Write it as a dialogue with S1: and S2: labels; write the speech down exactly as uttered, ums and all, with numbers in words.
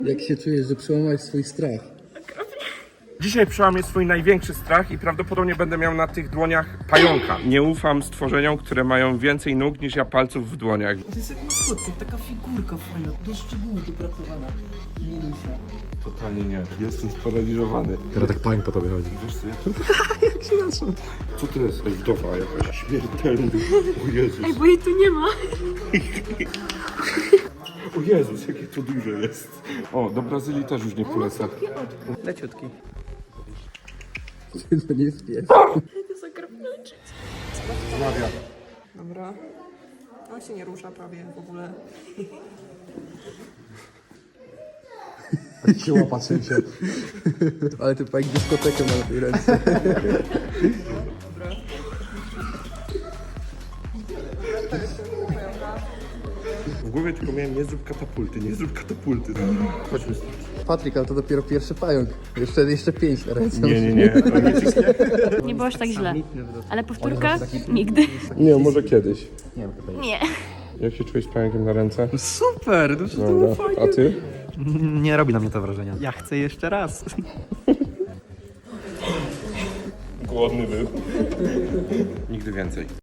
S1: Jak się czujesz, że przełamałeś swój strach?
S2: Dzisiaj przełamię swój największy strach i prawdopodobnie będę miał na tych dłoniach pająka. Nie ufam stworzeniom, które mają więcej nóg niż ja palców w dłoniach.
S3: To jest jak maskotka, taka figurka fajna, do szczegółu dopracowana. Minusia.
S2: Totalnie nie. Jestem sparaliżowany.
S4: Teraz tak pająk po tobie chodzi.
S2: Wiesz co, ja to... Jak się nazywa? Co to jest? Ej, wdowa jakaś śmiertelna. O Jezus.
S5: Ej, bo jej tu nie ma.
S2: O Jezus, jakie to duże jest. O, do Brazylii też już nie polecam.
S3: Leciutki.
S1: To nie jest pies.
S5: To jest okropniczy.
S2: Zmawia.
S5: Dobra. On się nie rusza prawie w ogóle.
S4: Się łapaczem się.
S1: Ale ty pajek dyskotekę ma na tej ręce.
S2: W głowie tylko miałem nie zrób katapulty, nie zrób katapulty. Chodźmy stąd.
S1: Patryk, ale to dopiero pierwszy pająk. Jeszcze, jeszcze pięć na ręce.
S2: Nie, nie, nie. To nie,
S5: Nie było aż tak źle. Ale powtórka? Nigdy.
S2: nie, może kiedyś.
S5: Nie.
S2: Jak się czułeś z pająkiem na ręce?
S3: Super, to to
S2: Dobra. A ty?
S3: Nie robi na mnie to wrażenia. Ja chcę jeszcze raz.
S2: Głodny był. Nigdy więcej.